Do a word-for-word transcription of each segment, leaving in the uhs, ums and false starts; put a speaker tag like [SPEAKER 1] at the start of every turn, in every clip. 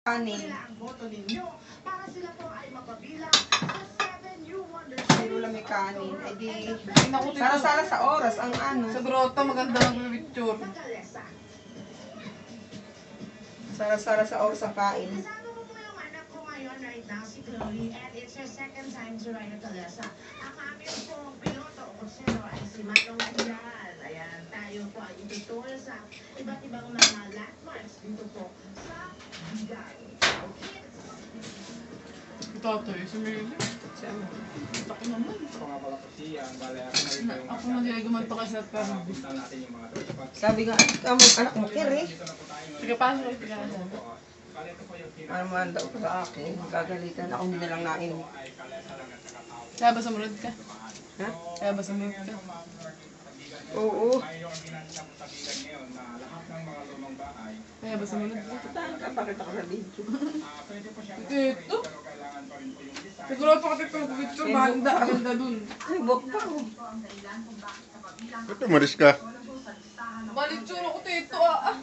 [SPEAKER 1] Kanin. Pero lang may kanin. Eh di, sara-sara sa oras ang ano.
[SPEAKER 2] Sa grotto, maganda mag-picture.
[SPEAKER 1] Sara-sara sa oras ang kain.
[SPEAKER 3] Right now, si Chloe, and it's her second time to ride a Calesa. Ang aming pong piloto o kusero ay si Manong Vidal. Ayan, tayo po ay itutur sa iba't ibang mga landmarks dito po sa Vidal.
[SPEAKER 2] Ito ito eh, sumili. Taki naman. Ako na nila gumanto kasi at parang.
[SPEAKER 1] Sabi nga, ang anak mo, Kiri.
[SPEAKER 2] Sige, paano kayo pagkakas?
[SPEAKER 1] Ano man daw sa akin. Gagalitan ako, hindi na lang nain.
[SPEAKER 2] Kaya ba sumunod ka?
[SPEAKER 1] Ha?
[SPEAKER 2] Kaya ba sumunod ka?
[SPEAKER 1] Oo.
[SPEAKER 2] Kaya ba sumunod ka?
[SPEAKER 1] Bakit ako sa video?
[SPEAKER 2] Ito? Siguro pa kasi itong picture, maganda, maganda dun.
[SPEAKER 1] Ay, buwag pa ako.
[SPEAKER 4] Ito, maris ka.
[SPEAKER 2] Balitsura ko ito ah.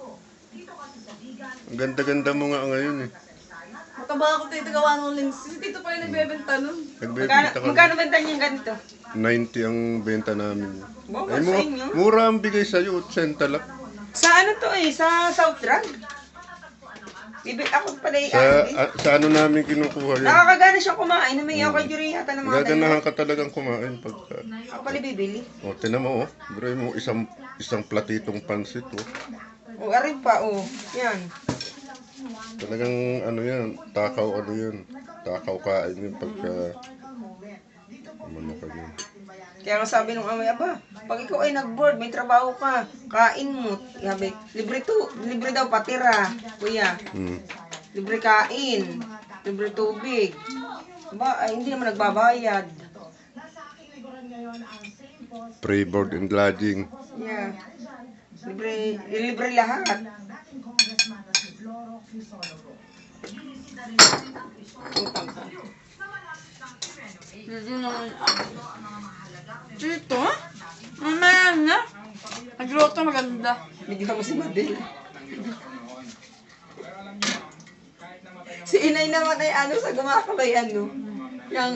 [SPEAKER 4] Ang ganda-ganda mo nga ngayon eh.
[SPEAKER 2] Mataba ako dito gawa ng links. Si Tito pa yung nagbebenta nun.
[SPEAKER 1] Magkano,
[SPEAKER 4] Nagbebenta ka.
[SPEAKER 1] magkano benta niya ganito?
[SPEAKER 4] ninety ang benta namin.
[SPEAKER 1] Bawa
[SPEAKER 4] Ay,
[SPEAKER 1] sa
[SPEAKER 4] mura,
[SPEAKER 1] inyo.
[SPEAKER 4] mura ang bigay sa'yo, eighty lang.
[SPEAKER 1] Sa ano to eh, sa South Drug. Bibi, ako pala yung
[SPEAKER 4] Sa,
[SPEAKER 1] ano eh.
[SPEAKER 4] a, sa ano namin kinukuha yan.
[SPEAKER 1] Nakakagana siyang kumain. Namiyaw ako kay Jury yata ng mga
[SPEAKER 4] Gaganahan ka talagang kumain pagka...
[SPEAKER 1] Ako pala bibili.
[SPEAKER 4] O, tinan mo, oh. Bro mo, isang, isang platitong pansit, oh.
[SPEAKER 1] O, arin pa, o. Yan.
[SPEAKER 4] Talagang, ano yan, takaw, ano yan. Takaw kain yun pagka... Ano ka yun.
[SPEAKER 1] Kaya nga sabi nung amay, aba, pag ikaw ay nag-board, may trabaho ka, kain mo. Sabi, libre to, libre daw patira, kuya.
[SPEAKER 4] Hmm.
[SPEAKER 1] Libre kain, libre tubig. Ba, ay, hindi naman nagbabayad.
[SPEAKER 4] Free board and lodging.
[SPEAKER 1] Yeah. Libre, libre lahat. Utang ka.
[SPEAKER 2] Dito naman ako. Dito? Mamaya na. Nag-grotto maganda.
[SPEAKER 1] Bigyan mo si Madel. Si inay naman ay ano sa gumakabay ano. Yang